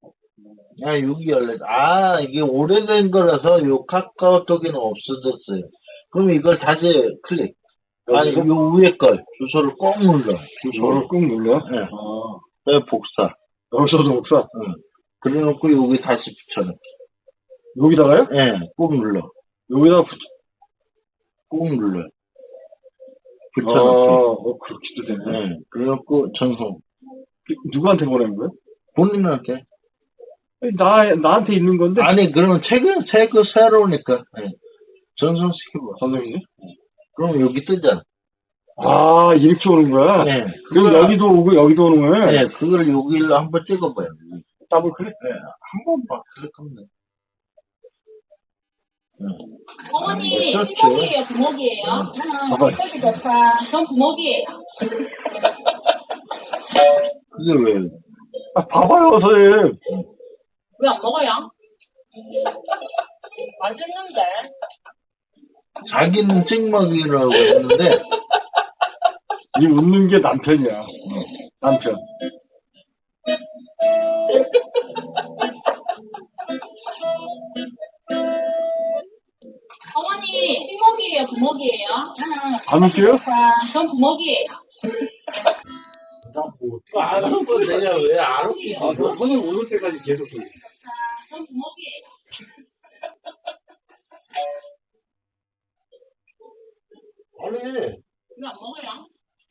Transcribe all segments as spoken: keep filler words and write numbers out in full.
아, 여기 열렸, 아, 이게 오래된 거라서 요 카카오톡에는 없어졌어요. 그럼 이걸 다시 클릭. 아니, 여기서? 요 위에 걸, 주소를 꼭 눌러. 이거를 주소를. 꾹 눌러? 네. 아, 그 복사. 여기서도 복사? 응. 그래 놓고 여기 다시 붙여넣기. 여기다가요? 예, 네, 꾹 눌러. 여기다가 붙여. 꾹 눌러. 아, 붙여넣기. 어, 그렇게도 되네. 예, 네. 그래 놓고 전송. 누구한테 보내는 거예요? 본인한테. 나, 나한테 있는 건데? 아니, 그러면 책은, 책은 새로우니까. 예. 네. 전송시켜봐. 선생님? 그럼 여기 뜨잖아. 아, 이렇게 오는 거야? 네. 그럼 그걸- 여기도 오고 여기도 오는 거야? 네, 그걸 여기로 한번 찍어봐요. 더블 클릭? 네, 한 번만 클릭하면 돼. 네. 어머니, 네, 그렇죠. 부먹이에요, 부먹이에요. 봐봐요. 응, 좋다. 전 부먹이에요. 그게 왜? 아, 봐봐요, 선생님. 왜 안 먹어요? 맛있는데. 자기는 찍먹이라고 했는데, 이 웃는 게 남편이야. 남편. 어머니, 부먹이에요, 부먹이에요. 응, 안 웃겨요? 전 부먹이에요. 안 웃고 내가 왜 안 웃기지? 아, 너 선생님 오는 때까지 계속 돌려. 전 부먹이에요. 아니, 왜 안 먹어요?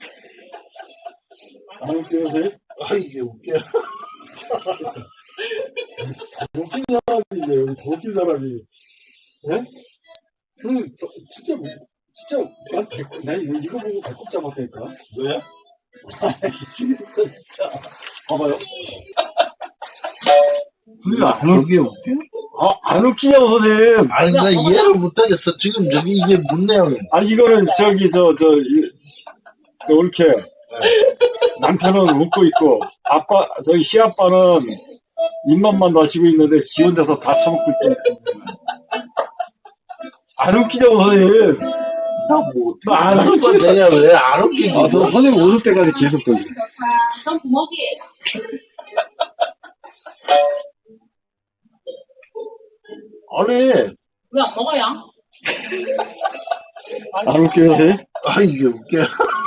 안 웃겨요, 선생님? 아, 이게 웃겨. 더 웃긴 사람인데, 여기 더 웃긴 사람이. 예? 선생님, 저, 진짜, 진짜, 난 배꼽, 나 이거, 이거 보고 배꼽 잡았다니까? 왜? 진짜. 봐봐요. 선생님, 안 웃, 그게 웃겨? 아, 안 웃기냐고, 선생님. 아니, 나 이해를 못하겠어. 지금 저기 이게 뭔 내용이야? 아니, 이거는 저기, 저, 저, 이, 저 이렇게. 남편은 웃고 있고, 아빠, 저희 시아빠는 입맛만 다시고 있는데, 지 혼자서 다 처먹고 있고. 안 웃기냐고, 선생님. 나뭐 안 웃고 내가 왜 안 웃기지? 아, 저 선생님 오실 때까지 계속 돌려. 전 부먹이에요. 아니, 왜 안 먹어요? 안 웃겨요, 선생님? 아, 이게 웃겨.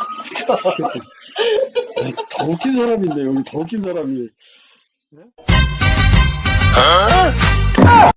더 웃긴 사람인데, 여기 더 웃긴 사람이.